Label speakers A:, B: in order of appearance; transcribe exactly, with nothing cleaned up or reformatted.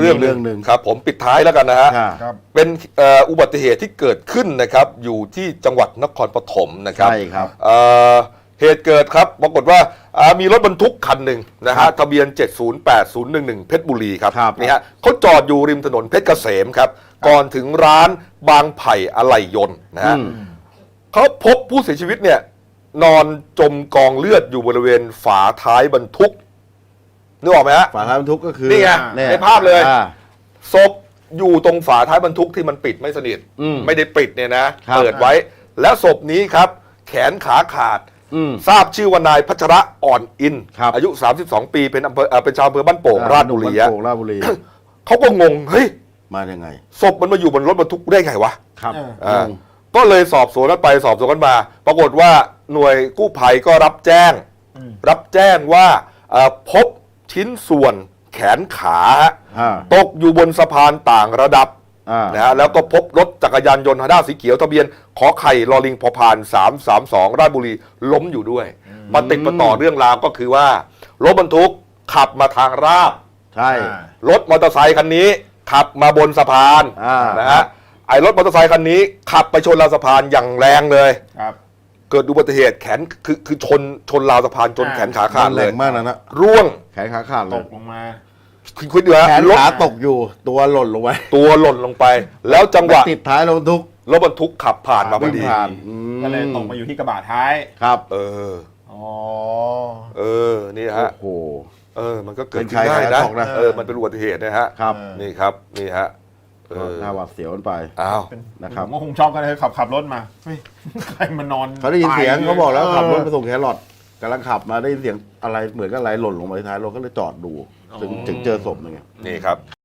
A: รื่องเรื่องหนึ่งครับผมปิดท้ายแล้วกันนะฮะเป็นอุบัติเหตุที่เกิดขึ้นนะครับอยู่ที่จังหวัดนครปฐมนะครับใช่ครับเหตุเกิดครับปรากฏว่ามีรถบรรทุกคันหนึ่งนะฮะทะเบียนเจ็ดศูนย์แปดศูนย์หนึ่งหนึ่งเพชรบุรีครับนี่ฮะเขาจอดอยู่ริมถนนเพชรเกษมครับก่อนถึงร้านบางไผ่อะไหล่ยนต์นะฮะเขาพบผู้เสียชีวิตเนี่ยนอนจมกองเลือดอยู่บริเวณฝาท้ายบรรทุกนึกออกไหมฮะฝาท้ายบรรทุกก็คือนี่ไงในภาพเลยศพอยู่ตรงฝาท้ายบรรทุกที่มันปิดไม่สนิทไม่ได้ปิดเนี่ยนะเปิดไว้แล้วศพนี้ครับแขนขาขาดทราบชื่อว่านายพัชระอ่อนอินอายุสามสิบสองปีเป็นอำเภอเป็นชาวอำเภอบ้านโป่งราชบุรีเขาก็งงเฮ้ยมายังไงศพมันมาอยู่บนรถบรรทุกได้ไงวะครับก็เลยสอบสวนกันไปสอบสวนกันมาปรากฏว่าหน่วยกู้ภัยก็รับแจ้งรับแจ้งว่าพบชิ้นส่วนแขนขาตกอยู่บนสะพานต่างระดับนะฮะแล้วก็พบรถจักรยานยนต์ฮอนด้าสีเขียวทะเบียนขอไข่ลอลิงพอพานสามสามสองราชบุรีล้มอยู่ด้วยมาติดมาต่อเรื่องราวก็คือว่ารถบรรทุกขับมาทางราบใช่รถมอเตอร์ไซค์คันนี้ขับมาบนสะพานนะฮะไอ้รถมอเตอร์ไซค์คันนี้ขับไปชนราวสะพานอย่างแรงเลยเกิดอุบัติเหตุแขนคือคือชนชนราวสะพานจนแขนขาขาดเลยมากนะนะร่วงแขนขาขาดเลยตกลงมาคุณคุยดูฮะแขนขาตกอยู่ตัวหล่นลงไปตัวหล่นลงไปแล้วจังหวะติดท้ายรถบรรทุกรถบรรทุกขับผ่านมาพอดี
B: ก็เลยตกมาอยู่ที่กระบะท้าย
A: ครับเอออ๋อเออนี่ฮะโอ้โหเออมันก็เกิดขึ้นได้นะเออมันเป็นอุบัติเหตุนะฮะครับนี่ครับนี่ฮะหน้าหวาดเสียวกันไปอ้าว
B: นะครับก็คงชอบกันเลยขับขับรถมาเฮ้ยใครมานอน
A: เขาได้ยินเสียงเขาบอกแล้วขับรถไปส่งแครอทกำลังขับมาได้ยินเสียงอะไรเหมือนกับอะไรหล่นลงมาท้ายรถก็เลยจอดดูถึงถึงเจอศพนึงนี่ครับ